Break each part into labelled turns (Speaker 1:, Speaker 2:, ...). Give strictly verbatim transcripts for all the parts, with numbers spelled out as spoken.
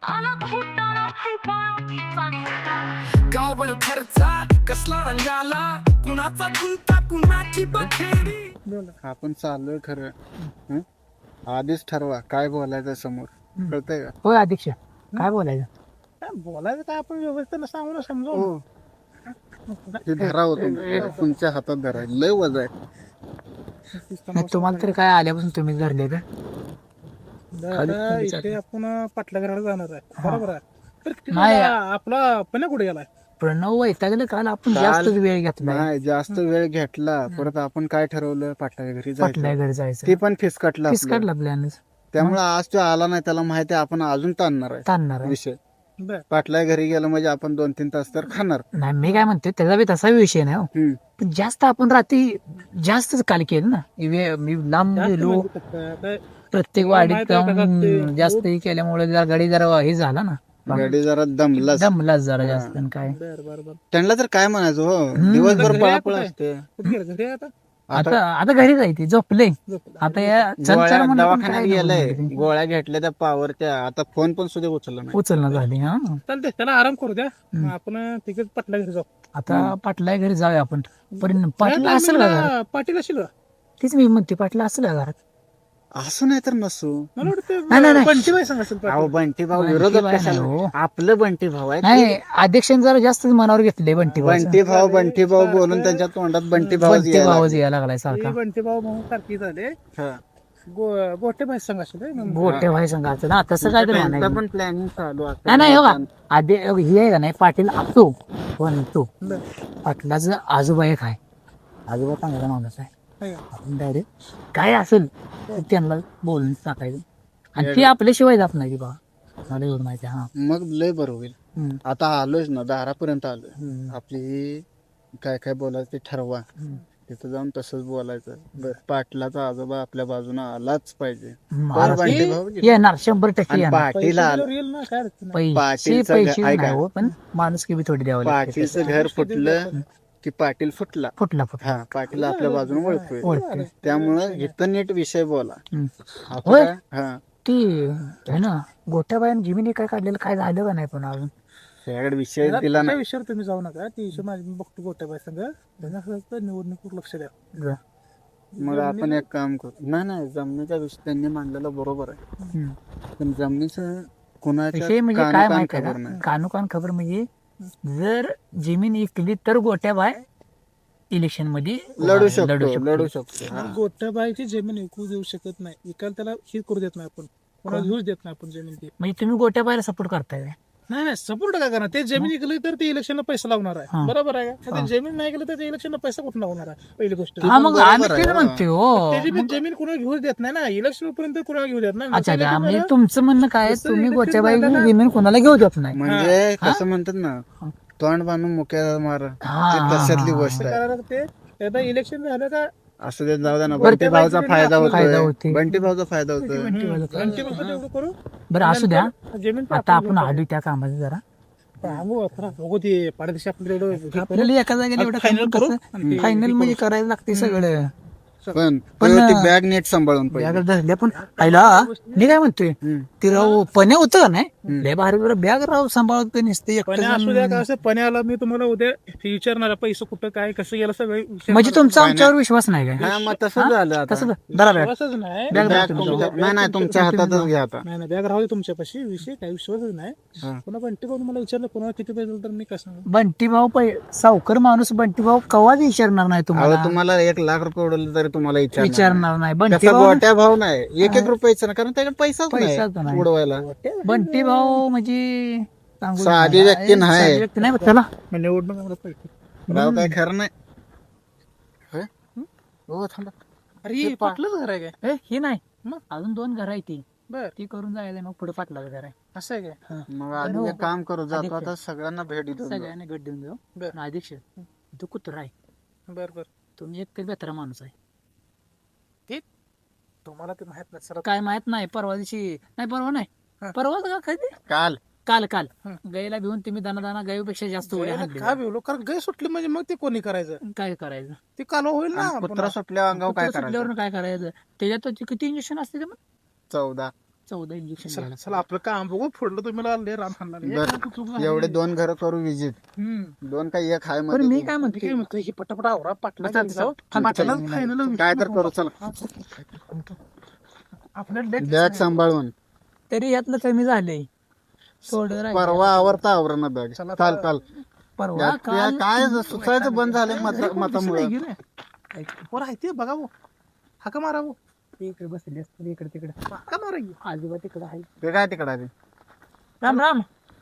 Speaker 1: गावभर खर्चा कसला रंगाला कुणाचा गुंता कुणाची बखेरी.
Speaker 2: आपण चाललोय खरं हं? आधीच ठरवा काय बोलायचं समोर कळतंय का?
Speaker 3: होय अध्यक्ष काय बोलायचं
Speaker 4: काय बोलायचं काय आपण व्यवस्थेनं सांगू ना समजू
Speaker 2: हो हे धरा होतो तुमच्या हातात धरा लय वजा आहे.
Speaker 3: नाही, तुम्हाला तरी काय आल्यापासून तुम्ही धरले का
Speaker 4: आता इथे आपण पाटला घराला जाणार आहे बरोबर आहे तर तिथं
Speaker 3: नाही.
Speaker 4: आपला पण्या कुठे गेलाय
Speaker 3: प्रणव वैतागले काल आपण
Speaker 2: काल-
Speaker 3: जास्त वेळ घेतला
Speaker 2: नाही जास्त वेळ घेतला परत आपण काय ठरवलं पाटलाच्या घरी
Speaker 3: पाटल्या
Speaker 2: जायचं
Speaker 3: घरी जायचं
Speaker 2: ते पण फिसकटलं
Speaker 3: फिस
Speaker 2: आपलं.
Speaker 3: काढला प्लॅन
Speaker 2: त्यामुळे आज तो आला नाही त्याला माहिती आहे आपण अजून ताणणार आहे
Speaker 3: ताणणार आहे.
Speaker 2: विषय
Speaker 4: बर
Speaker 2: पाटला घरी गेलं म्हणजे आपण दोन तीन तास तर खाणार.
Speaker 3: नाही मी काय म्हणते त्याचा बी तसा विषय नाही हो.
Speaker 2: हम्म.
Speaker 3: पण जास्त आपण रात्री जास्तच काल केलं ना वे- मी लांब गेलो प्रत्येक वाडीत
Speaker 4: माहिती आहे का
Speaker 3: जाऊन
Speaker 4: ते-
Speaker 3: जास्त हे केल्यामुळे जरा गाडी जरा हे झाला ना
Speaker 2: गाडी जरा दमलाच
Speaker 3: दमलाच जरा जास्त आणि काय
Speaker 4: बर बर बर
Speaker 2: त्यांना तर काय म्हणायचं हो दिवसभर
Speaker 4: घरी
Speaker 2: पळापळ
Speaker 4: आहे
Speaker 2: असते.
Speaker 4: कुठे गेलं घरी आहे आता
Speaker 3: आता आता घरी जायची झोपले
Speaker 4: झोपलं.
Speaker 3: आता या चल
Speaker 2: गोळ्या
Speaker 3: चल म्हणून पण
Speaker 2: दवाखान्यात
Speaker 3: काय
Speaker 2: गेलाय
Speaker 3: नको म्हणते.
Speaker 2: गोळ्या घेतल्या त्या पावरच्या आता फोन पण सुद्धा उचलला नाही.
Speaker 3: उचलणं झाली हा
Speaker 4: चालते त्याला आराम करू द्या मग आपण तिकडे पाटला घरी जाऊ
Speaker 3: आता पाटला घरी जाऊया आपण पण पाटला असेल का घरात?
Speaker 4: मला पाटील असेल का?
Speaker 3: तीच मी म्हणते पाटला असेल का घरात
Speaker 2: असं नाही तर नसू.
Speaker 4: मला
Speaker 3: नाही, नाही,
Speaker 4: वाटतं
Speaker 3: नाही.
Speaker 4: पंचीबाई सांग असेल
Speaker 2: अहो
Speaker 4: पाटील
Speaker 2: बंटी भाऊ
Speaker 3: बंटी
Speaker 2: विरोधक
Speaker 3: भाई
Speaker 2: कशाला
Speaker 3: नाही हो.
Speaker 2: आपलं बंटी भाऊ आहे
Speaker 3: नाही अध्यक्षांनी जरा जास्तच मनावर घेतले बंटी भाऊ
Speaker 2: बंटी भाऊ बंटी भाऊ बोलून त्यांच्या तोंडात बंटी भाऊ
Speaker 3: बंटी भाऊच यायला लागलाय सारखा
Speaker 4: बंटी भाऊ म्हणून सारखी झाले गो- गोटे बाई सांग असेल हे.
Speaker 3: गोटे भाई सांगायचं ना तसं काय तरी म्हणायचं
Speaker 2: पण प्लॅनिंग चालू आहे.
Speaker 3: नाही नाही हो का आधी ही आहे का नाही पाटील असतो पण तो
Speaker 4: बर.
Speaker 3: पाटलाचं आजोबा एक आहे आजोबा चांगला माणूस आहे
Speaker 4: आहे का?
Speaker 3: आपण डायरेक्ट काय असेल तर त्यांना बोलून टाकायचं आणि ते आपल्याशिवाय जात नाही की बा मला एवढं माहिती आहे, हा
Speaker 2: मग लय बरं होईल.
Speaker 3: हम्म.
Speaker 2: आता आलोयच ना दारापर्यंत आलोय
Speaker 3: हम्म.
Speaker 2: आपली काय काय बोलायचं ते ठरवा
Speaker 3: हम्म.
Speaker 2: तिथं जाऊन तसंच बोलायचं बरं पाटलाचा आजोबा आपल्या बाजूनं आलाच पाहिजे.
Speaker 3: महाराज
Speaker 2: बरं, बंटी भाऊ
Speaker 3: येणार शंभर टक्के
Speaker 2: आणि
Speaker 3: येणार
Speaker 2: पाटील
Speaker 4: पैसे
Speaker 2: आला
Speaker 4: दिल्यावर येईल ना काय अडचण नाही.
Speaker 3: पैसे
Speaker 2: पाटीलचं
Speaker 3: पैसे
Speaker 2: घर- ऐका.
Speaker 3: नाही हो पण माणूस की बी थोडी द्यावं लागते
Speaker 2: पाटीलचं घर फुटलं की पाटील फुटला.
Speaker 3: फुटला फुटला
Speaker 2: हा पाटील आपल्या बाजूने ओळखतोय
Speaker 3: ओळखते
Speaker 2: त्यामुळं इथं नीट विषय बोला.
Speaker 3: हम्म.
Speaker 2: आता
Speaker 3: होय.
Speaker 2: काय? हा
Speaker 3: ती आहे ना गोट्याबाईन जिमिनी काय काढलेलं काय झालं का नाही पण अजून
Speaker 2: त्याकडे विषय
Speaker 4: त्याला-
Speaker 2: दिला
Speaker 4: त्या
Speaker 2: नाही.
Speaker 4: विषयावर तुम्ही जाऊ नका ती विषय माझी मी बघतो गोटे बाई संघ त्यांना असं असतं, निवडणुकीवर लक्ष द्या
Speaker 3: जा.
Speaker 2: मग आपण एक काम करू नाही नाही जमिनीचा विषय त्यांनी मांडलेला बरोबर आहे
Speaker 3: हम्म.
Speaker 2: पण जमिनीचं कुणाच्या
Speaker 3: विषय म्हणजे काय
Speaker 2: कानाकान
Speaker 3: माहिती
Speaker 2: खबर
Speaker 3: आहे
Speaker 2: नाही.
Speaker 3: का कानोकान खबर म्हणजे जर जमीन इकली तर गोट्याबाई इलेक्शन मध्ये
Speaker 2: लढू शकतो लढू शकतो हा.
Speaker 4: गोट्याबाईची जमीन विकू देऊ शकत नाही विकायला त्याला ही करू देत नाही आपण कोणाला घेऊच देत नाही आपण जमीन ती
Speaker 3: म्हणजे तुम्ही गोट्याबाईला सपोर्ट करताय काय?
Speaker 4: नाही नाही सपोर्ट काय करणार ते जमीन विकली तर ते इलेक्शनला पैसा लावणार
Speaker 3: हा.
Speaker 4: आहे बरोबर आहे का ते जमीन नाही गेलं तर ते इलेक्शनला पैसा कुठून लावणार आहे पहिली गोष्ट
Speaker 3: हा मग
Speaker 2: बरोबर
Speaker 3: आम्ही
Speaker 2: आहे,
Speaker 3: तेच
Speaker 2: हा.
Speaker 3: म्हणते हो
Speaker 4: त्याची बी जमीन कुणाला घेऊच देत नाही ना इलेक्शन पर्यंत कुणाला घेऊ देत नाही
Speaker 3: अच्छा
Speaker 4: नंतर
Speaker 3: अच्छा
Speaker 4: election
Speaker 3: म्हणजे
Speaker 4: झालं,
Speaker 3: तुमचं म्हणणं काय आहे,
Speaker 4: जसं
Speaker 3: तुम्ही
Speaker 4: election
Speaker 3: गोट्याबाई
Speaker 4: झालं ना-
Speaker 3: जमीन कोणाला घेऊ देत नाही
Speaker 2: म्हणजे कसं म्हणतात ना तोंड बांधून मुक्या मार
Speaker 3: हा,
Speaker 2: ते
Speaker 3: हा,
Speaker 2: तशातली
Speaker 3: हा.
Speaker 2: गोष्ट
Speaker 4: काय
Speaker 2: आहे.
Speaker 4: करायला लागते एकदा इलेक्शन झालं का
Speaker 2: असं ते जाऊ द्या ना
Speaker 3: बरं,
Speaker 2: बंटी
Speaker 3: ते
Speaker 2: भाऊचा
Speaker 4: बाईची
Speaker 2: फायदा
Speaker 4: जमीन
Speaker 3: फायदा
Speaker 2: होतोय
Speaker 3: होते.
Speaker 2: बंटी भाऊचा फायदा होतोय.
Speaker 4: घंटी बसत एवढं करू
Speaker 3: बरं असू द्या
Speaker 4: जमीन
Speaker 3: आता आपण आलो त्या कामाचं जरा
Speaker 4: सांगू आता बघू ते पाडदेशी आपल्याला एवढं
Speaker 3: आपल्याला एका जागेला एवढं
Speaker 4: फायनल करू
Speaker 3: फायनल फायनल म्हणजे करायला लागते सगळं
Speaker 2: पण
Speaker 3: पण,
Speaker 2: ती बॅग नीट सांभाळून पाहिजे.
Speaker 3: बॅग धरल्या पण पहिला मी काय म्हणतोय
Speaker 2: हम्म.
Speaker 3: ती राव पण्या होतं का नाही लय भारी बॅग राव सांभाळत नसते
Speaker 4: पण असू द्या का असं पण्याला मी तुम्हाला उद्या विचारणार आहे, पैसे कुठं काय कसं गेलं सगळं विचारणार.
Speaker 3: म्हणजे तुमचा आमच्यावर विश्वास नाही काय
Speaker 2: हा मग तसं झालं आता
Speaker 3: तसं धरा बॅग
Speaker 4: विश्वासच नाही
Speaker 3: बॅग
Speaker 2: बॅग
Speaker 3: धरा
Speaker 2: तुमच्या- नाही नाही तुमच्या हातातच घ्या आता.
Speaker 4: नाही नाही बॅग राहू दे तुमच्यापाशी विषय काही विश्वासच नाही
Speaker 2: हा.
Speaker 4: पुन्हा बंटी भाऊ मला विचारलं पुन्हा किती पैसे दिले तर मी कसं सांगू?
Speaker 3: बंटी भाऊ पै सावकर माणूस बंटी भाऊ कवाच विचारणार नाही
Speaker 2: अहो
Speaker 3: तुम्हाला
Speaker 2: तुम्हाला एक लाख रुपये उडवले तरी तुम्हाला विचारणार
Speaker 3: विचारणार नाही बंटी
Speaker 2: त्याचा
Speaker 3: भाऊ
Speaker 2: गोट्या भाव नाही एक एक रुपयाचा ना कारण त्याकडे पैसाच
Speaker 3: पैसाच
Speaker 2: नाही
Speaker 3: नाही.
Speaker 2: उडवायला.
Speaker 3: बंटी भाऊ म्हणजे सांगू
Speaker 2: साधी
Speaker 3: नका.
Speaker 2: व्यक्ती नाही.
Speaker 3: साधी व्यक्ती नाही चला
Speaker 4: मग निवडणूक आम्हाला पैसे
Speaker 2: राव काय खरं नाही होय? हो थांबा
Speaker 4: अरे पाटलंच घर आहे काय
Speaker 3: ए, ही नाही
Speaker 4: मग?
Speaker 3: अजून दोन घर आहे ती
Speaker 4: बर
Speaker 3: ती करून जायला मग पुढे पाटलाचं घर आहे
Speaker 4: असं आहे काय
Speaker 2: मग आधी एक काम करू जातो आता सगळ्यांना भेट देतो.
Speaker 3: सगळ्यांना गट देऊन जाऊ
Speaker 4: बर.
Speaker 3: पण अध्यक्ष तू कुत्र आहे
Speaker 4: बर बर
Speaker 3: तुम्ही एक बेतरा माणूस आहे
Speaker 4: तुम्हाला ते माहित नाही सर
Speaker 3: काय माहित नाही परवा दिवशी नाही परवा नाही
Speaker 4: हा.
Speaker 3: परवा का कधी
Speaker 2: काल
Speaker 3: काल काल
Speaker 4: हं.
Speaker 3: गायला भिवून तुम्ही दाना दाना गायीपेक्षा जास्त उड्या
Speaker 4: का
Speaker 3: हाणल्या.
Speaker 4: भिवलो कारण गाय सुटली म्हणजे मग ते कोणी करायचं
Speaker 3: काय करायचं
Speaker 4: ते कालवा होईल ना
Speaker 2: आणि कुत्रा सुटल्या अंगावर काय
Speaker 3: कुत्रं
Speaker 2: करायचं
Speaker 3: सुटल्यावर काय करायचं त्याच्यात तो किती इंजेक्शन असते ते मग
Speaker 2: चौदा
Speaker 3: चौदा इंजेक्शन
Speaker 4: चला
Speaker 3: द्यायला.
Speaker 4: चला आपलं काम बघू फोडलं तुम्ही आले राम खाणार हे
Speaker 2: बर.
Speaker 4: काय तू चूक झाली.
Speaker 2: एवढे दोन घर करू विजिट
Speaker 4: हम्म.
Speaker 2: दोन काही एक हाय
Speaker 3: पण
Speaker 2: मध्ये
Speaker 3: मी
Speaker 2: तू.
Speaker 3: काय
Speaker 4: मी
Speaker 3: म्हणते
Speaker 4: काय म्हणतो ही पटापट आवरा पाटला
Speaker 3: चालतं,
Speaker 4: जाऊ
Speaker 3: चालतं.
Speaker 4: पाटला
Speaker 3: चालतं.
Speaker 4: फायनल
Speaker 2: काय तर करू चला
Speaker 4: आपल्या
Speaker 2: बॅग सांभाळून
Speaker 3: तरी यातलं कमी झालंय थोडं राहिलं.
Speaker 2: परवा आवरता आवरण बॅग
Speaker 4: चला,
Speaker 2: चाल चाल
Speaker 3: परवा
Speaker 2: यात
Speaker 3: काल
Speaker 2: या काय सुचायचं बंद झालंय मत मतामुळे
Speaker 4: पोर आहे ते बघा भाऊ हाका मारा भाऊ
Speaker 3: इकडे बसले असते इकडे तिकडे
Speaker 4: हाका मारा की.
Speaker 3: आजोबा तिकडे आहे.
Speaker 2: ते काय तिकडे आले
Speaker 3: राम राम.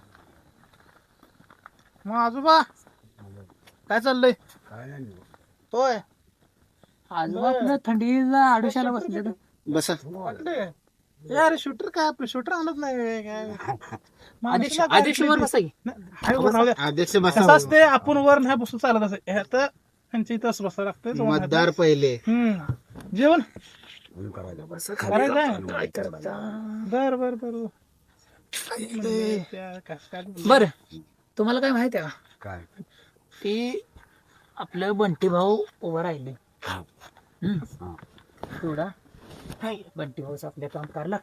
Speaker 4: मग आजोबा काय चाललंय होय
Speaker 3: आजोबा आपलं थंडीला आडुशाला बसले तर.
Speaker 2: बसा
Speaker 4: वाटले अरे शूटर काय आपलं शूटर आणत नाही काय
Speaker 3: आदेश आदेश वर बसा की.
Speaker 4: हाय, वर राहू द्या.
Speaker 2: अध्यक्ष
Speaker 4: कसं
Speaker 2: बसा
Speaker 4: असते आपण वर नाही बसून चालत असं ह्यात त्यांच्या इथं असं बसायला लागतंय
Speaker 2: मतदार पहिले
Speaker 4: हम्म जेवण करायचं बर बर बर
Speaker 3: बर तुम्हाला काय माहित आहे का
Speaker 5: काय
Speaker 3: की आपलं बंटी भाऊ उभं राहिले. हम्म. थोडा बंटी भाऊच आपल्या काम करायला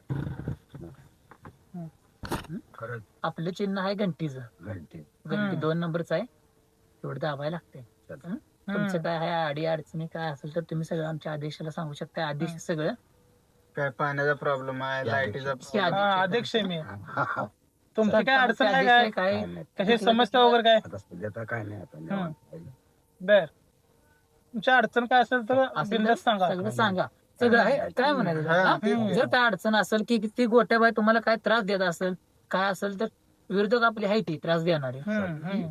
Speaker 5: खरंच
Speaker 3: आपलं चिन्ह आहे घंटीचं.
Speaker 5: घंटे
Speaker 3: घंटी दोन नंबरच आहे तेवढं दाबायला लागते. हं? तुमचं काय आहे अडी अडचणी काय असेल तर तुम्ही सगळं आमच्या आदेशाला सांगू शकता. आदेश सगळं
Speaker 2: काय पाण्याचा प्रॉब्लेम आहे लाईटीचा
Speaker 3: की आदेश आहे.
Speaker 4: अध्यक्ष आहे मी तुमची काय अडचण
Speaker 3: आदेश
Speaker 4: आहे
Speaker 3: आहे
Speaker 4: काय
Speaker 3: काय
Speaker 4: कशी समस्या वगैरे काय
Speaker 5: आता सध्या काय नाही आता निवांत आहे.
Speaker 4: बर तुमच्या अडचण काय असेल तर
Speaker 3: असेल तर
Speaker 4: बिनधास्त सांगा
Speaker 3: सगळं सांगा. सगळं आहे काय म्हणायचं हा? जर काय अडचण असेल की ती गोट्याबाई तुम्हाला काय त्रास देत असेल काय असेल तर विरोधक आपली आहे ती त्रास देणारे.
Speaker 4: हम्म, हम्म.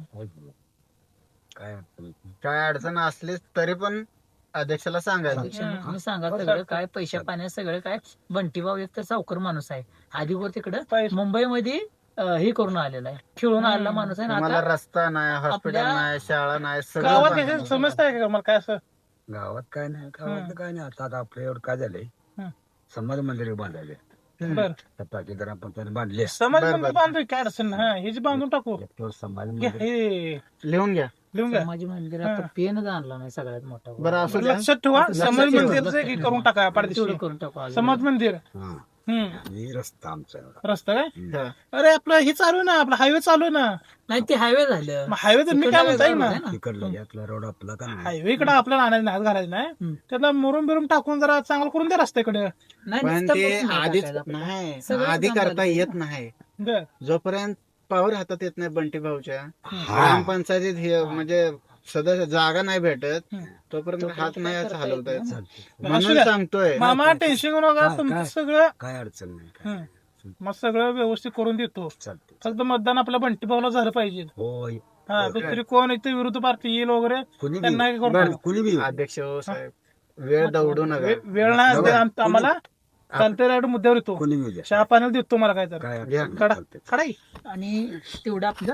Speaker 5: काय अडचण नाही.
Speaker 2: काय अडचण असलीच तरी पण अध्यक्षाला सांगायचं
Speaker 3: अध्यक्षांना तुम्ही सांगा सगळं काय पैशा पाण्यात सगळं काय. बंटी भाऊ एक तर सावकर माणूस आहे. आधी वर तिकडं
Speaker 4: पैसे-
Speaker 3: मुंबईमध्ये अं, हे करून आलेला आहे खेळून आलेला माणूस आहे ना
Speaker 2: तुम्हाला
Speaker 3: आता
Speaker 2: रस्ता नाही हॉस्पिटल
Speaker 3: आपल्या-
Speaker 2: नाही शाळा नाही
Speaker 4: गावात
Speaker 2: सगळं
Speaker 4: कशी समजता आहे का मला काय असं
Speaker 5: गावात काय नाही गावात काय नाही आता आता आपल्या एवढं काय झालंय
Speaker 4: हम्म.
Speaker 5: समाज मंदिर बांधायले
Speaker 4: बर
Speaker 5: त्या टाकीदार आपण त्याने बांधले
Speaker 4: समाज
Speaker 2: बर,
Speaker 4: मंदिर
Speaker 2: बर.
Speaker 4: बांधू काय अडचण नाही. हा हे जे बांधून टाकू
Speaker 5: एक तो समाज
Speaker 4: घ्या,
Speaker 5: मंदिर
Speaker 4: हे
Speaker 2: लिहून घ्या
Speaker 4: लिहून घ्या
Speaker 3: समाज मंदिरात पेनच आणला नाही सगळ्यात मोठा
Speaker 2: बरं असू द्या
Speaker 4: लक्षात ठेवा
Speaker 2: लक्षात
Speaker 4: समाज
Speaker 2: ठेवा.
Speaker 4: मंदिरचं हे करून टाका
Speaker 3: तेवढं
Speaker 4: पाडदिशी
Speaker 3: करून टाकू आज.
Speaker 4: समाज मंदिर
Speaker 5: हा
Speaker 4: हम्म
Speaker 5: ही रस्ता आमचा एवढा.
Speaker 4: रस्ता काय
Speaker 2: हा.
Speaker 4: अरे आपलं हे चालू आहे ना आपलं हायवे चालू आहे ना
Speaker 3: नाही ते हायवे झालं
Speaker 4: मग हायवे तर मी काय म्हणताय ना
Speaker 5: तिकडलं यातला रोड आपला का नाही
Speaker 4: हायवे इकडे आपल्याला आणायचं नाही घालायचं नाही
Speaker 3: हम्म.
Speaker 4: त्यातला मुरुम बिरुम टाकून जरा चांगलं करून द्या रस्त्याकडे
Speaker 3: नाही
Speaker 2: पण
Speaker 3: नुसतं
Speaker 2: ते
Speaker 3: बसून नाही
Speaker 2: आधीच
Speaker 3: टाकायचं आपलं.
Speaker 2: नाही
Speaker 3: सगळं
Speaker 2: आधी
Speaker 3: काम
Speaker 2: करता
Speaker 3: झालं.
Speaker 2: येत नाही
Speaker 4: बर
Speaker 2: जोपर्यंत पावर हातात येत नाही बंटी भाऊच्या ग्रामपंचायतीत हे म्हणजे सदस्य जागा नाही भेटत
Speaker 4: हम्म.
Speaker 2: तोपर्यंत हात नाही असं हलवता येत
Speaker 5: चालते
Speaker 4: असू
Speaker 2: म्हणून
Speaker 4: द्या.
Speaker 2: सांगतोय
Speaker 4: मामा टेन्शन घेऊ नका
Speaker 5: काय-
Speaker 4: तुमचं
Speaker 5: काय?
Speaker 4: सगळं
Speaker 5: काय अडचण नाही काय
Speaker 4: हम्म. मग सगळं व्यवस्थित करून देतो
Speaker 5: चालते
Speaker 4: फक्त मतदान आपल्या बंटी भाऊला झालं पाहिजे
Speaker 5: होय
Speaker 4: हा दुसरी कोण इथे विरोधी पार्टी येईल वगैरे
Speaker 5: कुणी बी
Speaker 4: त्यांना हे करून
Speaker 2: बरं.
Speaker 4: टाकू.
Speaker 5: कुणी बी
Speaker 2: अध्यक्ष हो साहेब वेळ दौडू नका
Speaker 4: वे- वेळ नाही दे आम- आम्हाला चालते राईड मुद्द्यावर येतो
Speaker 5: कुणी बी द्या
Speaker 4: चहा पाण्याला देतो मला काय तर
Speaker 5: काय
Speaker 2: घ्या.
Speaker 5: अडचण
Speaker 4: काढा
Speaker 5: नाही, चालते.
Speaker 4: काढा की.
Speaker 3: आणि तेवढं आपलं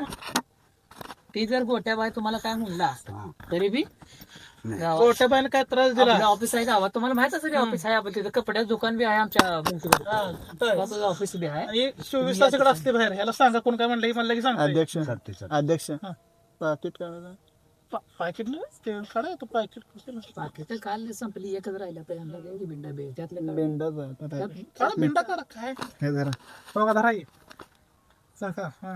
Speaker 3: ते जर गोट्याबाई तुम्हाला काय म्हणला
Speaker 5: हा.
Speaker 3: तरी बी
Speaker 5: नाही.
Speaker 3: गावात
Speaker 4: कोर्टा बाईने काय त्रास दिला
Speaker 3: आपलं ऑफिस आहे गावात तुम्हाला माहित असेल ऑफिस आहे आपण तिथं कपड्याचं दुकान बी आहे आमच्या भिंतीवर ऑफिस बी आहे
Speaker 4: आणि चोवीस तास इकडे असते बाहेर ह्याला सांगा कोण काय म्हणलं की म्हणलं की सांगता
Speaker 2: अध्यक्ष
Speaker 5: चालते चालते
Speaker 2: अध्यक्ष
Speaker 4: हा.
Speaker 2: पाकिट काढा
Speaker 4: पाकिट ते काढा तो पाकिट
Speaker 3: बाकी तर काल संपली एकच राहिला तर यांना द्या की बिंडा बे त्यातलं काय?
Speaker 2: बेंडाच आहे. आता काय?
Speaker 4: काढा बिंडा काढा काय
Speaker 2: हे जरा
Speaker 4: बघा धरा हे. सांगा हा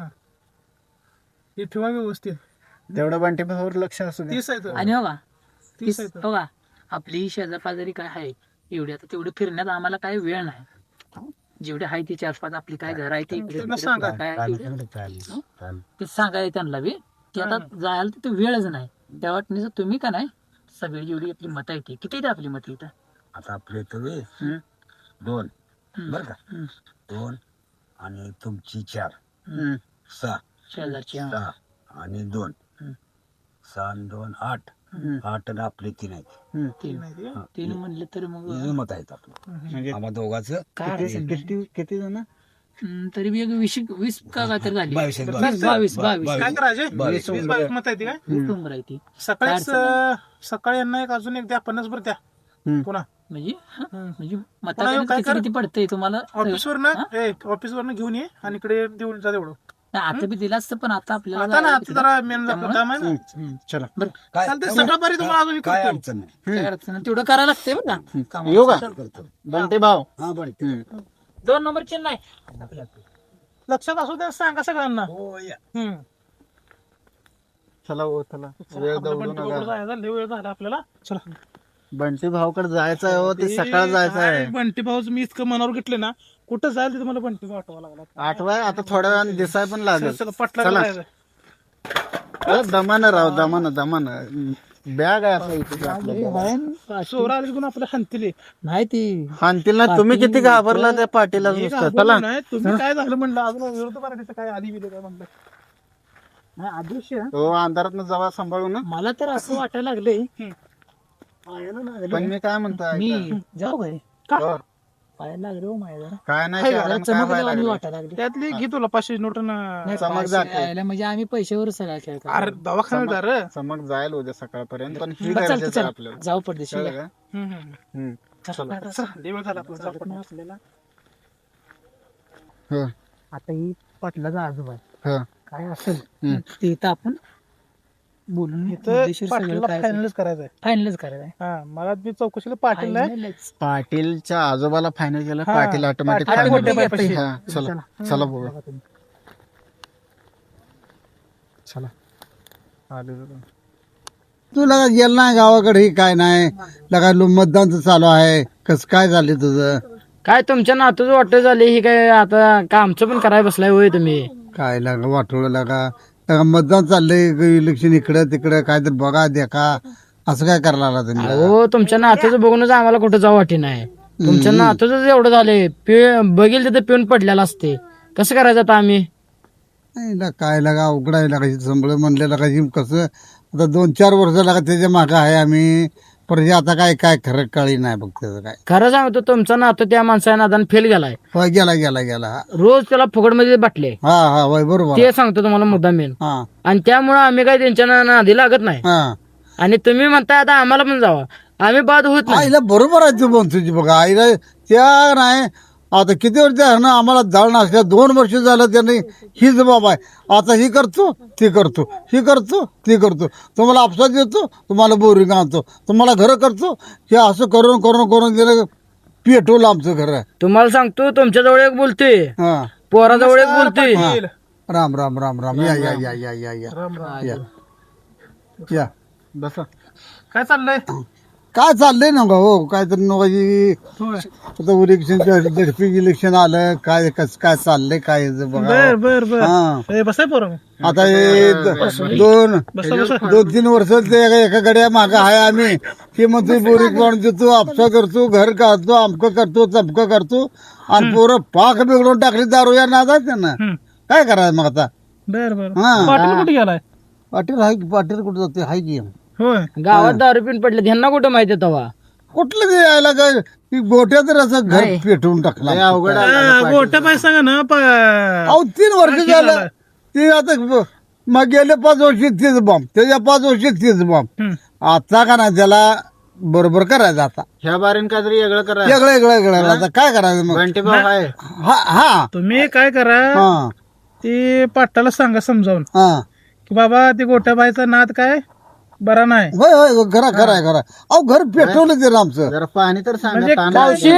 Speaker 4: हे ठेवा व्यवस्थित
Speaker 2: तेवढं बंटी भाऊवर लक्ष असू दे
Speaker 4: तीस आहे तो.
Speaker 3: आणि बघा
Speaker 4: तीस आहे तो.
Speaker 3: बघा आपली शेजापाजारी काय आहे एवढी आता तेवढं फिरण्यात आम्हाला काही वेळ नाही जेवढे आहे ते चार पाच आपली काय घर आहे ते इकडे
Speaker 4: त्यांना
Speaker 3: तिकडे
Speaker 4: सांगा.
Speaker 3: काय आहे
Speaker 5: चालेल,
Speaker 3: तेवढं
Speaker 5: चालेल, चालेल.
Speaker 3: ते सांगायचं त्यांना बी की आता जायला तिथे वेळच नाही त्या वाटणीचं तुम्ही का नाही सगळी जेवढी आपली मतं येते किती येते आपली मतं इथं
Speaker 5: आता आपले इथं वे
Speaker 3: हम्म.
Speaker 5: दोन
Speaker 3: हम्म.
Speaker 5: बर का
Speaker 3: हम्म.
Speaker 5: दोन आणि तुमची चार
Speaker 2: हम्म.
Speaker 5: सहा
Speaker 3: शेजारची हा.
Speaker 5: सहा आणि दोन
Speaker 3: हम्म.
Speaker 5: सहा आणि दोन आठ
Speaker 2: हम्म.
Speaker 5: आठ आणि आपले तीन आहेत
Speaker 2: हम्म.
Speaker 3: तीन
Speaker 4: नाही ते.
Speaker 5: हा.
Speaker 3: तीन म्हणले तर मग
Speaker 5: हे मत आहेत आपलं
Speaker 2: म्हणजे
Speaker 5: आम्हा दोघांचं
Speaker 3: काय
Speaker 2: किती
Speaker 3: अडचण नाही.
Speaker 2: किती किती जण
Speaker 3: हम्म, तरी बी एक वीस वीस का काय तर झाली
Speaker 5: बावीस आहेत,
Speaker 3: वीस, बावीस बावीस
Speaker 4: काय करायचे
Speaker 5: बावीस.
Speaker 4: वीस बावीस मत आहे ती काय
Speaker 3: वीस उंबर आहे ती
Speaker 4: सकाळीच
Speaker 3: काय अडचण
Speaker 4: अं, सकाळी यांना एक अजून एक द्या पन्नास भर द्या
Speaker 2: हम्म.
Speaker 4: पुन्हा
Speaker 3: म्हणजे हा,
Speaker 4: हम्म.
Speaker 3: म्हणजे
Speaker 4: पुन्हा
Speaker 3: मताकडे
Speaker 4: काय
Speaker 3: किती
Speaker 4: कर?
Speaker 3: किती पडतंय तुम्हाला
Speaker 4: ऑफिस वरनं ऑफिस वरनं घेऊन ये आणि इकडे देऊन जा तेवढं
Speaker 3: नाही, आता बी दिला असतं पण आता आपल्याला
Speaker 4: आता ना
Speaker 3: जायला
Speaker 4: आता
Speaker 3: तिकडं.
Speaker 4: जरा मेन
Speaker 3: त्यामुळं-
Speaker 4: काम आहे ना
Speaker 3: हम्म.
Speaker 2: चला
Speaker 3: बरं
Speaker 5: काय
Speaker 4: चालतंय सकाळपारी तुम्हाला अजून
Speaker 5: काय
Speaker 4: करतो.
Speaker 5: अडचण नाही
Speaker 3: काय अडचण नाही. तेवढं करायला लागतंय बरं का कामाला.
Speaker 2: येऊ का
Speaker 5: करतो
Speaker 2: बंटी भाऊ
Speaker 5: हा बरं
Speaker 2: हम्म.
Speaker 3: दोन नंबर चिन्ह नाही
Speaker 4: लक्षात असू द्या, सांगा सगळ्यांना.
Speaker 5: हो या.
Speaker 4: हम्म.
Speaker 2: चला हो चला वेळ
Speaker 4: आपल्या
Speaker 2: दौडू
Speaker 4: बंटी भाऊकडे
Speaker 2: नका.
Speaker 4: जायचा लय वेळ झाला आपल्याला. चला.
Speaker 2: बंटी भाऊकडे जायचं आहे हो, ते सकाळ जायचं आहे.
Speaker 4: काय बंटी भाऊच मी इतकं मनावर घेतले ना, कुठं जायला तिथे मला बंटी भाऊ आठवा लागला.
Speaker 2: आठवाय आता थोड्या वेळाने दिसाय पण लागेल.
Speaker 4: चला पटला
Speaker 2: चला.
Speaker 4: जायचं.
Speaker 2: अरे दमानं राव दमानं दमानं. बॅग आहे आपल्या इथे आपल्या.
Speaker 4: सोरा आली पण आपल्या हंतीले.
Speaker 3: नाही ती
Speaker 2: हाणतील ना. तुम्ही किती घाबरला त्या पाटीला
Speaker 4: हे
Speaker 2: नुसतं.
Speaker 4: घाबरलो
Speaker 2: चला
Speaker 4: नाही, तुम्ही काय झालं म्हणलं अजून विरोध मराठीचं काय आधी बिले काय म्हणलं.
Speaker 3: नाही अदृश्य.
Speaker 2: हो अंधारात जवळ सांभाळू ना.
Speaker 3: मला तर असं वाटायला लागले
Speaker 2: पण मी काय म्हणतो
Speaker 3: मी
Speaker 2: ऐका.
Speaker 3: जाऊ काय
Speaker 2: हो.
Speaker 3: पायाला लागले हो माझ्या जरा
Speaker 2: काय नाही
Speaker 3: हाय का,
Speaker 2: कारण
Speaker 3: जरा
Speaker 2: काय
Speaker 3: चमकलं
Speaker 2: व्हायला
Speaker 3: आणि
Speaker 2: लागलं.
Speaker 3: वाटायला लागले.
Speaker 4: त्यातली घे तुला पाचशे नोट ना.
Speaker 3: नाही,
Speaker 2: चमक
Speaker 3: पाचशे
Speaker 2: जाते.
Speaker 3: यायला म्हणजे आम्ही पैशावर सगळा खेळ करतो.
Speaker 4: अरे दवाखान्यात जा रे.
Speaker 2: चमक जाईल उद्या सकाळपर्यंत पण ही
Speaker 3: बरं, चालतं,
Speaker 2: गरजेचं आहे
Speaker 3: चालतं.
Speaker 2: आपल्याला.
Speaker 3: जाऊ पडदेशी
Speaker 2: कळलं का?
Speaker 4: हम्म, हम्म.
Speaker 2: हम्म.
Speaker 3: चला.
Speaker 4: चला, लय वेळ झाला आपला. जाऊ पण.
Speaker 3: आपल्याला
Speaker 2: हो
Speaker 3: आता ही पाटलाचा आजोबा आहे.
Speaker 2: हो
Speaker 3: काय असेल
Speaker 2: हम्म.
Speaker 3: ते इथं आपण बोलून
Speaker 4: इथं पाटीलला फायनलच करायचंय.
Speaker 3: फायनलच करायचं आहे.
Speaker 4: हा मला मी चौकशीला पाटील आहे.
Speaker 3: Finalच.
Speaker 2: पाटीलच्या आजोबाला फायनल केलं.
Speaker 4: हा.
Speaker 2: पाटील ऑटोमॅटिक
Speaker 4: पाटील
Speaker 2: फायनल
Speaker 4: मोठे पायपाशी.
Speaker 2: हा चला चला बघू चला आले जरा.
Speaker 6: तू लगा गेला नाही गावाकडे, ही काय नाही लगा लो मतदानचं चालू आहे, कस काय झाले तुझं?
Speaker 7: काय तुमच्या नातूच वाटत झाली ही काय आता का आमचं पण करायला बसलाय होय तुम्ही.
Speaker 6: काय लागा वाटोळ लागा लगा मतदान चाललंय, इलेक्शन इकडं तिकडं काय तर बघा देखा, असं काय करायला लागला तुम्ही?
Speaker 7: हो तुमच्या नातूचं बघूनच आम्हाला कुठं जाऊ वाटी नाही. तुमच्या नातूच एवढं झालंय पे बघेल तिथे पिऊन पडलेला असते, कसं करायचं आता आम्ही?
Speaker 6: नाही ला काय लागा अवघड आहे लागा, संभळ म्हणलं लागा ही कसं आता दोन चार वर्ष लागा त्याच्या मागं आहे आम्ही, पण हे आता काय काय खरं कळी नाही बघ त्याचं काय.
Speaker 7: खरं सांगतो तुमचा नातू त्या माणसाच्या नादान फेल गेलाय.
Speaker 6: होय गेला गेला गेला.
Speaker 7: रोज त्याला फुकटमध्ये बाटले,
Speaker 6: हा हा होय बरोबर.
Speaker 7: ते सांगतो तुम्हाला मुद्दा मेन.
Speaker 6: हा
Speaker 7: आणि त्यामुळे आम्ही काय त्यांच्या ना- नादी लागत नाही.
Speaker 6: हा
Speaker 7: आणि तुम्ही म्हणताय आता आम्हाला पण जावा, आम्ही बाद होत नाही.
Speaker 6: आईला बरोबर आहे तू बोल तुझी बघा, आईला त्या नाही आता किती वर्ष आहे ना आम्हाला जाळ नसल्या, दोन वर्ष झालं त्याने ही जबाब आहे, आता ही करतो ती करतो ही करतो ती करतो, तुम्हाला आपसात देतो तुम्हाला बोरिंग आणतो तुम्हाला घरं करतो, हे असं करून करून करून दिलं पेटवलं आमचं घर.
Speaker 7: तुम्हाला सांगतो तुमच्याजवळ एक बोलते,
Speaker 6: हा
Speaker 7: पोराजवळ एक बोलते.
Speaker 6: राम राम राम राम या या या या या या या या
Speaker 2: बसा
Speaker 4: काय चाललंय?
Speaker 6: काय चाललंय ना हो, काय तर नवाजी आता इलेक्शन झडपी इलेक्शन आलं, काय कस काय चाललंय काय
Speaker 4: बर
Speaker 6: बघा.
Speaker 4: बर बर.
Speaker 6: हा
Speaker 4: ए, बसाय पोरं.
Speaker 6: आता हे द- दोन
Speaker 4: बसा बसा.
Speaker 6: दोन तीन वर्ष ते एका एका गड्या माग आहे आम्ही, ते म्हणतो बोरी कोण देतो आपसा करतो घर काढतो अमकं करतो चमकं करतो, आणि पोरं पाक बिघडून टाकली दारू या नादात त्यांना.
Speaker 4: हम्म.
Speaker 6: काय करायचं मग आता?
Speaker 4: बर बर.
Speaker 6: हा.
Speaker 4: पाटील कुठे गेलाय?
Speaker 6: पाटील हाय पाटील कुठं जाते हाय की
Speaker 4: होय.
Speaker 7: गावात दारू पिऊन पडले, ह्यांना कुठं माहिती तेव्हा.
Speaker 6: कुठलं ते यायला काय ती गोट्या तर असं घर पेटवून टाकला.
Speaker 2: लय अवघड आहे.
Speaker 4: आ, गोट्या पाय सांगा ना. प-
Speaker 6: अहो तीन वर्ष झालं ते आता ब- मग गेले पाच वर्ष तीच बॉम्ब, त्याच्या पाच वर्ष तीच बॉम्ब.
Speaker 4: हम्म.
Speaker 6: आता का नाही त्याला बरोबर करायचं, आता
Speaker 2: ह्या बारीन काहीतरी वेगळं करा.
Speaker 6: वेगळं वेगळं वेगळं आता काय करायचं मग?
Speaker 2: बंटी भाऊ आहे.
Speaker 6: हा हा
Speaker 4: तुम्ही काय करा,
Speaker 6: हा
Speaker 4: ते पाटाला सांगा समजावून
Speaker 6: हा
Speaker 4: की बाबा ते गोट्या बायचा नाद काय बरा नाही.
Speaker 6: होय होय खरा खरा आहे खरा. अहो घर पेटवलं ते आमचं.
Speaker 2: जरा पाणी तर सांगा.
Speaker 4: म्हणजे
Speaker 2: ताण
Speaker 7: मावशी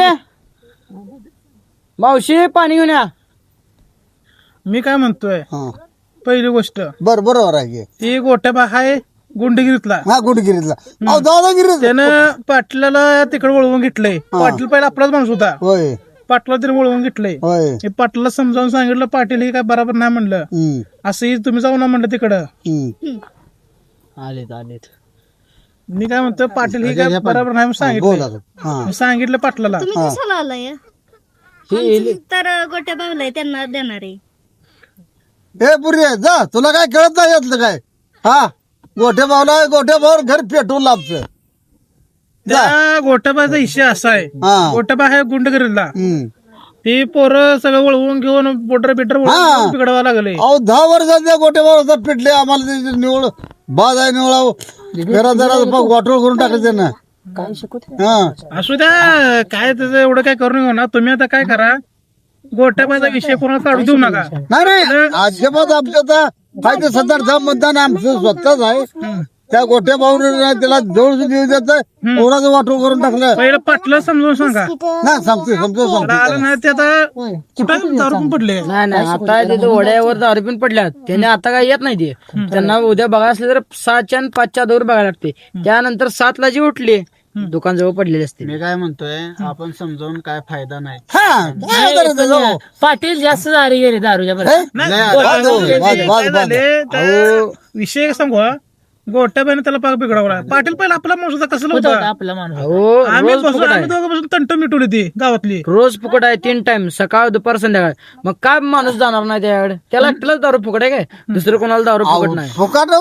Speaker 7: मावशी पाणी घेऊन या.
Speaker 4: मी काय म्हणतोय,
Speaker 6: हा
Speaker 4: पहिली गोष्ट
Speaker 6: बर बरोबर आहे की.
Speaker 4: ती गोट्या बा हाय गुंडगिरीतला.
Speaker 6: हा गुडगिरीतला. अहो दादागिरी
Speaker 4: त्यानं पाटलाला तिकडे वळवून घेतलंय. पाटील पहिला आपलाच माणूस होता,
Speaker 6: होय
Speaker 4: पाटला त्याने वळवून घेतलंय.
Speaker 6: होय
Speaker 4: हे पाटलाला समजावून सांगितलं, पाटील हे काय बरोबर नाही म्हणलं,
Speaker 6: हम्म
Speaker 4: असंही तुम्ही जाऊ ना म्हणलं तिकडं.
Speaker 6: हम्म
Speaker 7: आलेत आलेत.
Speaker 4: मी काय म्हणतो, पाटील हे काय बरोबर नाही म्हणून
Speaker 6: बोला
Speaker 4: सांगितलं.
Speaker 6: हा
Speaker 4: मी सांगितलं पाटलाला.
Speaker 8: तुम्ही कशाला आलाय? आमचं तर गोट्या बावलाय त्यांना देणार आहे.
Speaker 6: हे पुरी जा, तुला काय कळत नाही यातलं काय? हा गोठ्या भावला गोठ्या भावर घर पेटवलं आमचं.
Speaker 4: त्या गोट्याबाचा इशा असा आहे,
Speaker 6: हा
Speaker 4: गोट्याबा आहे गुंडगिरीला.
Speaker 6: हम्म
Speaker 4: ती पोरं सगळं वळवून घेऊन बोटर बिटर
Speaker 6: हा.
Speaker 4: बिघडवा लागले.
Speaker 6: अहो दहा वर्षाच्या गोट्या भावाचा पेटले आम्हाला, त्याची निवड बाज आहे निवडा घरा जरा वाटोळ करून टाकले त्यांना.
Speaker 7: काय शिकवत
Speaker 6: हा
Speaker 4: असू द्या, काय त्याचं एवढं काय करून घेऊ ना. तुम्ही आता काय करा, गोट्याबाचा विषय कोणाला काढू देऊ नका.
Speaker 6: नाही नाही अजिबात आमचं आता फायदे सत्तर मतदान आमचं स्वतःच आहे. त्या गोट्या भाऊने त्याला जवळ देऊ देत कोणाचं वाटो करून टाकलं.
Speaker 4: पहिलं पाटलं समजून सांगा.
Speaker 6: नाही सांगतो समजून
Speaker 4: आता आलं
Speaker 6: सांगतो
Speaker 4: नाही ते आता कुठं दारू पण पडले.
Speaker 7: नाही नाही आता तिथे वड्यावर दारू पण पडल्यात त्याने आता काय येत नाही ते त्यांना उद्या बघायला असले तर सहाच्या आणि पाचच्या दौर बघायला लागते. त्यानंतर सातला जी उठली दुकान जवळ पडलेली असते.
Speaker 2: मी काय म्हणतोय आपण समजावून काय फायदा नाही.
Speaker 6: हा काय करायचं जाऊ.
Speaker 3: पाटील जास्त दारी गेले दारूच्या बरोबर.
Speaker 6: हे?
Speaker 4: नाही,
Speaker 6: नाही,
Speaker 4: गोट्या
Speaker 6: बाद होईल,
Speaker 4: बाई
Speaker 6: बाद,
Speaker 4: काय
Speaker 6: बाद, बाद.
Speaker 4: झाले, त्या विषय सांगू हा. गोट्याबाईने त्याला पाक बिघडवला. पाटील पहिला आपला माणूस होता कसं
Speaker 3: होता
Speaker 4: होता.
Speaker 3: आपला माणूस.
Speaker 7: हो
Speaker 4: आम्ही
Speaker 7: रोज
Speaker 4: बसून
Speaker 7: फुकट
Speaker 4: आम्ही
Speaker 7: आहे
Speaker 4: दोघं बसून तंट मिटवली ती गावातली.
Speaker 7: रोज फुकट आहे तीन टाइम सकाळ दुपार संध्याकाळ. मग काय माणूस जाणार नाही त्याकडे त्याला एकट्यालाच दारू फुकट आहे काय दुसरं कोणाला दारू फुकट नाही.
Speaker 6: फुकाट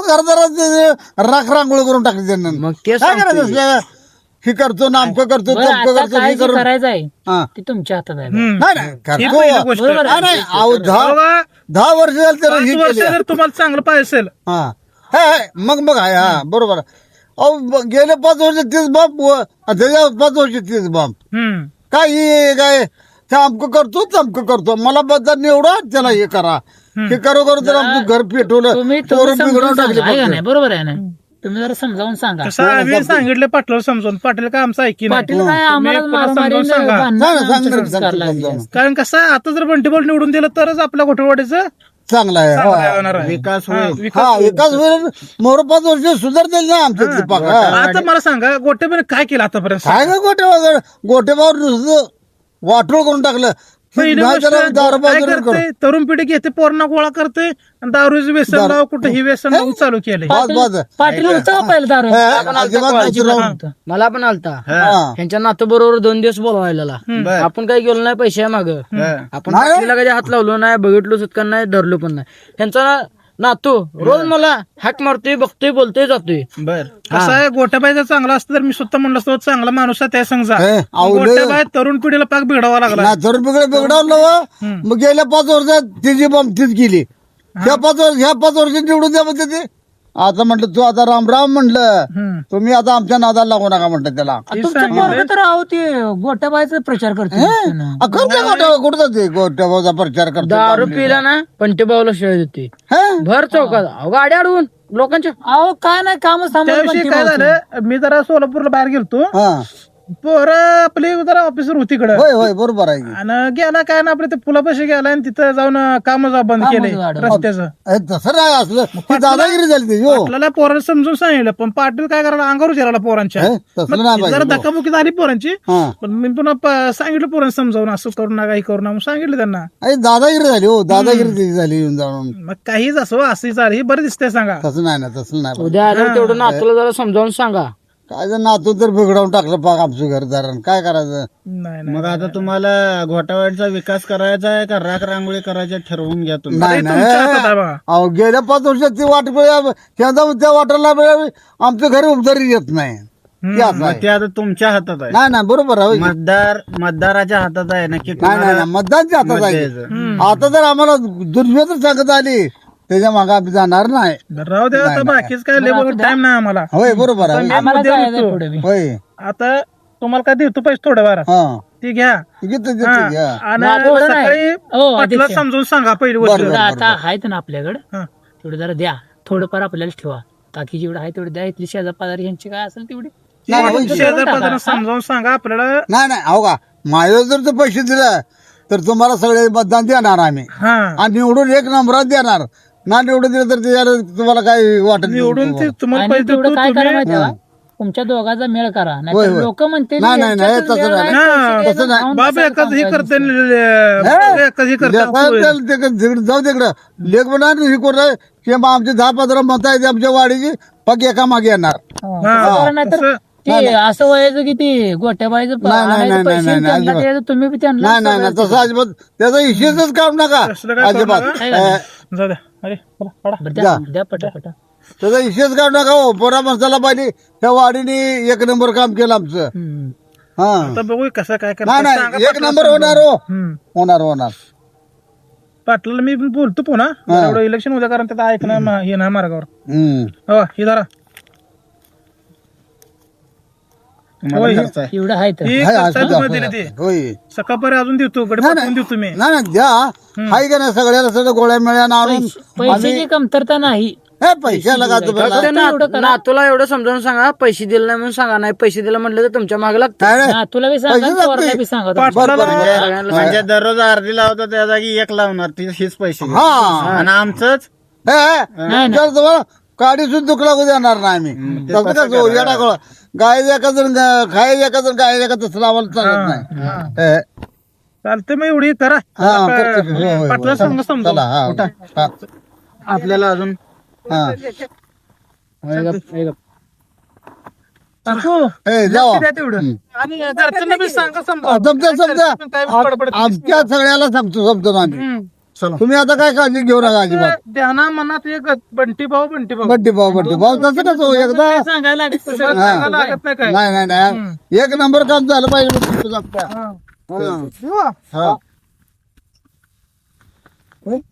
Speaker 6: करताना राख रांगोळी करून टाकली त्यांना.
Speaker 7: मग ते
Speaker 6: काय करायचं
Speaker 7: सांगतोय.
Speaker 6: असलं? हे करतो नामकं करतो
Speaker 3: बरं,
Speaker 6: तमकं
Speaker 3: आता
Speaker 6: करतो
Speaker 3: काय
Speaker 6: हे
Speaker 3: जे
Speaker 6: करून
Speaker 3: करायचं आहे
Speaker 6: हा.
Speaker 3: ते तुमच्या हातात आहे.
Speaker 4: हम्म.
Speaker 6: नाही नाही
Speaker 4: ही
Speaker 6: करतो.
Speaker 4: पहिली गोष्ट.
Speaker 6: नाही, नाही, अहो, दहा
Speaker 4: बघा,
Speaker 6: दहा वर्ष झाली त्याला
Speaker 4: पाच
Speaker 6: ही
Speaker 4: वर्ष
Speaker 6: केली.
Speaker 4: जर तुम्हाला चांगलं पाहिजे असेल
Speaker 6: हा हे, हे, मग मग आहे हा बरोबर आहे. अहो ब- गेले पाच वर्ष तीच बाप व- त्याच्या पाच वर्ष तीच बाप
Speaker 4: हम्म.
Speaker 6: काय हे काय ते अमकं करतो तमकं करतो मला बद्दल निवडा त्याला हे करा हे करो करू तर आमचं घर पेटवलं
Speaker 3: तुम्ही
Speaker 6: पोरं
Speaker 3: तुम्ही समजावून
Speaker 6: बिघडवून टाकले
Speaker 3: सांगा, आहे का
Speaker 6: फक्त.
Speaker 3: नाही? बरोबर आहे ना. तुम्ही जरा समजावून सांगा.
Speaker 4: कसं आम्ही सांगितलं पाटलाला समजून पाटील काय आमचं ऐकी नाही.
Speaker 3: पाटील काय आम्हाला
Speaker 4: पुन्हा
Speaker 3: मारामारी
Speaker 4: समजावून सांगा.
Speaker 3: भांडणं
Speaker 6: सांगा, सांगा,
Speaker 3: आमच्या
Speaker 6: सांगा,
Speaker 3: संस्कार लागले.
Speaker 6: समजावून.
Speaker 4: कारण कसं आहे, आता जर बंटीबॉल निवडून दिलं तरच आपल्या घोटवाडीचं
Speaker 6: चांगला आहे
Speaker 4: चांगलं
Speaker 6: हा.
Speaker 4: होणार आहे.
Speaker 2: विकास
Speaker 4: हा,
Speaker 2: होईल.
Speaker 4: विकास
Speaker 6: हा
Speaker 4: होईल.
Speaker 6: एकाच वेळेस मोर पाच वर्ष सुधारतील ना आमच्या इथली पाक. हा.
Speaker 4: आता मला सांगा गोटेबाईने काय केलं आतापर्यंत.
Speaker 6: काय का गोटे गोटेबावर नुसतं वाटोळ करून टाकलं.
Speaker 4: पहिली
Speaker 6: नाही
Speaker 4: गोष्ट
Speaker 6: त्याला दारू
Speaker 4: काय
Speaker 6: बाजूला करू.
Speaker 4: करते तरुण पिढी घेते पोरणा गोळा करते आणि दारूचं व्यसन लाव कुठे ही व्यसन लावून चालू केलंय.
Speaker 6: बाद बाद
Speaker 3: पाटील होतं पहिलं दारू.
Speaker 6: हे, अजिबात नाही राहून.
Speaker 7: मला पण आलता
Speaker 6: हा.
Speaker 7: ह्यांच्या नातू बरोबर दोन दिवस बोलवायला आपण काही गेलो नाही पैसे माग आपण पाटलीला कधी हात लावलो नाही बघितलो सुटका नाही धरलो पण नाही. ह्यांचा ना- नातू रोज मला हाक मारतोय बघतोय बोलतोय जातोय.
Speaker 2: बर
Speaker 4: कसं आहे गोट्याबाई जर चांगला असतं तर मी स्वतः म्हणलं असतो चांगला माणूस आहे त्या समजा.
Speaker 6: हे, अहो, लय-
Speaker 4: गोट्याबाई तरुण पिढीला पाक बिघडावा लागला.
Speaker 6: ना तर बिघड बिघडवलं व. मग गेल्या पाच वर्षात तिची बमतीच केली. ह्या पाच वर्ष ह्या पाच वर्ष निवडून द्या म्हणते ते. आता म्हटलं तू आता राम राम म्हटलं
Speaker 4: हम्म.
Speaker 6: तुम्ही आता आमच्या नादाला लागू नका म्हटलं त्याला.
Speaker 3: तुमचं पोरगं तर आहो ते गोट्याबाईचा प्रचार करतो.
Speaker 6: अ, करते गोट्या कुठं जाते गोट्याचा प्रचार करतो
Speaker 7: दारू पिला ना पंटे भाऊला शिवाय देते
Speaker 6: हे?
Speaker 7: भर चौकात अहो, गाडी अडवून लोकांच्या.
Speaker 3: अहो काय नाही काम
Speaker 4: त्याविषयी काय झालं मी जरा सोलापूरला बाहेर गेलतो.
Speaker 6: हा
Speaker 4: पोरं आपली जरा ऑफिसर होती इकडं
Speaker 6: होय होय बरोबर आहे की.
Speaker 4: आणि गेला काय ना आपल्या ते पुलापाशी गेला आणि तिथं जाऊन काम बंद केले
Speaker 3: वाढवलं.
Speaker 4: रस्त्याचं.
Speaker 6: हे, तसं नाही असलं ती दादागिरी झाली ती हो.
Speaker 4: आपल्याला पोरांना समजून सांगितलं पण पाटील काय करायला अंगावर जिरायला पोरांच्या.
Speaker 6: हे, तसं
Speaker 4: मग
Speaker 6: नाही
Speaker 4: जरा
Speaker 6: पाहिजे.
Speaker 4: धक्काबुक्की झाली पोरांची.
Speaker 6: हा
Speaker 4: पण मी पुन्हा प- सांगितलं पोरांना समजावून असं करू नका हे करू नका म्हणून सांगितलं त्यांना.
Speaker 6: अरे दादागिरी झाली हो दादागिरी त्याची झाली येऊन जाऊन.
Speaker 4: मग काहीच असो असं चाल ही बरं दिसते सांगा.
Speaker 6: तसं नाही ना तसं नाही
Speaker 7: उद्या आल्यावर तेवढं नातूला जरा समजावून सांगा.
Speaker 6: काय जर नातू तर बिघडवून टाकलं पाक आमचं घरदारण काय करायचं.
Speaker 4: नाही नाही
Speaker 2: मग आता तुम्हाला घोटावाडीचा विकास करायचा आहे का राख रांगोळी करायची आहे? ठरवून घ्या तुम्ही.
Speaker 6: नाही
Speaker 4: तुमच्या हातात आहे बघा.
Speaker 6: अहो गेल्या पाच वर्षात ती वाट मिळावी, त्याचा त्या वाटाला मिळावी आमच्या घरी उपचारी येत नाही ते असं
Speaker 2: मग
Speaker 6: आहे.
Speaker 2: ते आता तुमच्या हातात आहे.
Speaker 6: नाही नाही बरोबर आहे होय.
Speaker 2: मतदार मतदाराच्या हातात आहे नक्की
Speaker 6: नाही नाही नाही, मतदानच्या हातात
Speaker 2: मत
Speaker 6: आहे.
Speaker 2: द्यायचं.
Speaker 6: आता जर आम्हाला दुर्मिळ सांगत आली त्याच्या मागे आम्ही जाणार नाही.
Speaker 4: राहू द्या आता बाकीच काय लेबर टाइम नाही आम्हाला.
Speaker 6: होय बरोबर आहे
Speaker 3: आम्हाला
Speaker 4: उद्या
Speaker 3: जायचं
Speaker 4: देतो.
Speaker 3: पुढे बी.
Speaker 6: होय
Speaker 4: आता तुम्हाला काय देतो पैसे थोड्या वारा
Speaker 6: हा
Speaker 4: ती घ्या.
Speaker 6: घेतो घेतो
Speaker 4: हा.
Speaker 6: घ्या.
Speaker 4: आणि
Speaker 3: नाही, तेवढं नाही.
Speaker 4: सकाळी
Speaker 3: हो,
Speaker 4: पाटला
Speaker 3: अध्यक्ष.
Speaker 4: समजून सांगा पहिली गोष्ट.
Speaker 6: बरोबर.
Speaker 3: आता आहेत ना आपल्याकडे
Speaker 4: हा.
Speaker 3: तेवढं जरा द्या थोडंफार आपल्याला ठेवा बाकी जेवढं आहे तेवढं द्या. इथली शेजार पाजारी यांची काय असेल तेवढी
Speaker 6: नाही, नाही,
Speaker 4: शेजार पाजारांना समजावून सांगा आपल्याला.
Speaker 6: नाही नाही हो का माझ्या जर ते पैसे दिले तर तुम्हाला सगळे मतदान देणार आम्ही
Speaker 4: हा
Speaker 6: आणि निवडून एक नंबरात देणार ना निवडून दिलं तर त्याला तुम्हाला काय वाटत नाही
Speaker 4: निवडून ते तुम्हाला
Speaker 3: आणि
Speaker 4: पैसे
Speaker 3: तेवढं
Speaker 4: देतो
Speaker 3: काय करा
Speaker 4: तुम्ही.
Speaker 3: माहिती का तुमच्या दोघांचा मेळ करा
Speaker 6: होय,
Speaker 3: नाही
Speaker 6: होय.
Speaker 3: लोक म्हणते
Speaker 6: नाही, नाही, नाही, तसं नाही.
Speaker 4: हा,
Speaker 6: तसं नाही.
Speaker 4: बाप एकच हे करते
Speaker 6: हे?
Speaker 4: एकच हे करते
Speaker 6: लेकरं तिकडं- तिकडं जाऊ तिकडं लेख म्हणा हे करू की मग आमचे दहा पंधरा मत आहेत आमच्या वाडीची पग एका मागे येणार.
Speaker 3: नाहीतर
Speaker 4: तसं-
Speaker 3: ते असं व्हायचं की ते गोट्याबाईचं प-
Speaker 6: नाही, नाही,
Speaker 3: आणायचं
Speaker 6: नाही,
Speaker 3: पैसे
Speaker 6: नाही, नाही,
Speaker 3: त्यांना
Speaker 6: अजिबात.
Speaker 3: द्यायचं, तुम्ही बी त्यांना
Speaker 6: नाही नाही नाही तसं अजिबात त्याचा इशेच काम नका
Speaker 4: तसलं काय करू
Speaker 6: अजिबात
Speaker 4: नका.
Speaker 6: अं,
Speaker 4: जाऊ द्या अरे चला, पडा.
Speaker 3: बरं, द्या द्या पटापटा.
Speaker 6: त्याचा इशेच काम नका हो पोरा माणसाला पाहिजे त्या वाडीने एक नंबर काम केलं आमचं.
Speaker 3: हम्म.
Speaker 6: हा
Speaker 4: आता बघू कसं काय
Speaker 6: नाही
Speaker 4: करतात. सांगा
Speaker 6: नाही एक
Speaker 4: पाटलाला
Speaker 6: नंबर
Speaker 4: समजावून.
Speaker 6: होणार हो
Speaker 4: हम्म.
Speaker 6: होणार होणार.
Speaker 4: पाटलाला मी बोलतो पुन्हा
Speaker 6: हा.
Speaker 4: एवढं इलेक्शन उद्या कारण त्यात ऐकणं मा- हे नाही मार्गावर.
Speaker 6: हम्म.
Speaker 4: हो ही धरा
Speaker 2: तुम्हाला
Speaker 4: होय.
Speaker 2: खर्च आहे.
Speaker 3: एवढं आहे तर
Speaker 4: ही
Speaker 6: हाय,
Speaker 4: खर्चाला
Speaker 6: असू
Speaker 4: तुम्हाला
Speaker 6: द्या.
Speaker 4: दिली ती
Speaker 6: होय
Speaker 4: सकाळपर्यंत अजून देतो गडे
Speaker 6: नाही,
Speaker 4: पाठवून देतो मी.
Speaker 6: नाही नाही द्या हाय का नाही सगळ्याला सगळं गोळ्या मिळ्या आणून
Speaker 3: पैशाची कमतरता नाही
Speaker 6: हे पैशाला का तुम्हाला
Speaker 7: त्या ना- नातूला एवढं समजावून सांगा, पैसे दिले नाही म्हणून सांगा. नाही पैसे दिले म्हटलं तर तुमच्या मागे लागतं.
Speaker 6: काय रे?
Speaker 3: हा, तुला बी सांगा
Speaker 6: पैसे
Speaker 3: पोराला
Speaker 6: लागते.
Speaker 3: बी सांगा
Speaker 6: बरं, बरं, बरं.
Speaker 2: म्हणजे दररोज अर्धी लावतो त्या जागी एक लावणार ती हीच पैसे घेणार.
Speaker 6: हा
Speaker 2: आणि आमचंच
Speaker 6: हे, हे. जर तुम्हाला काडी सुद्धा दुखला कधी येणार नाही आम्ही
Speaker 2: ते
Speaker 6: तसं
Speaker 2: कसं
Speaker 6: कसं येडा गोळा गाय एका जण खाय एका जण गाय एका तसं आम्हाला चालत नाही हे.
Speaker 4: चालतंय मग एवढी करा
Speaker 6: हा, करतो की. होय, होय,
Speaker 4: पाटला
Speaker 6: होय.
Speaker 4: सांग समजा
Speaker 6: चला हा हा.
Speaker 2: आपल्याला अजून
Speaker 6: हा.
Speaker 4: टाकू.
Speaker 6: ए, जावा.
Speaker 4: द्या तेवढं आणि घरच्यांना बी सांगा समजा
Speaker 6: हा, समजा समजा
Speaker 4: काय बडबड
Speaker 6: आ- आमच्या सगळ्याला सांगतो समजतो आम्ही तुम्ही आता काय काळजी घेऊ नका अजिबात
Speaker 4: ध्याना मनात एक बंटी भाऊ बंटी भाऊ
Speaker 6: बड्डे भाऊ बड्डे भाऊ तसं कसं हो, एकदा
Speaker 4: सांगायला लागत तसं
Speaker 6: हा.
Speaker 4: सांगायला लागत नाही काय
Speaker 6: नाही नाही नाही एक नंबर काम झालं पाहिजे मग तुझं आपल्या.
Speaker 4: हा.
Speaker 6: हा.
Speaker 4: किंवा
Speaker 6: हा.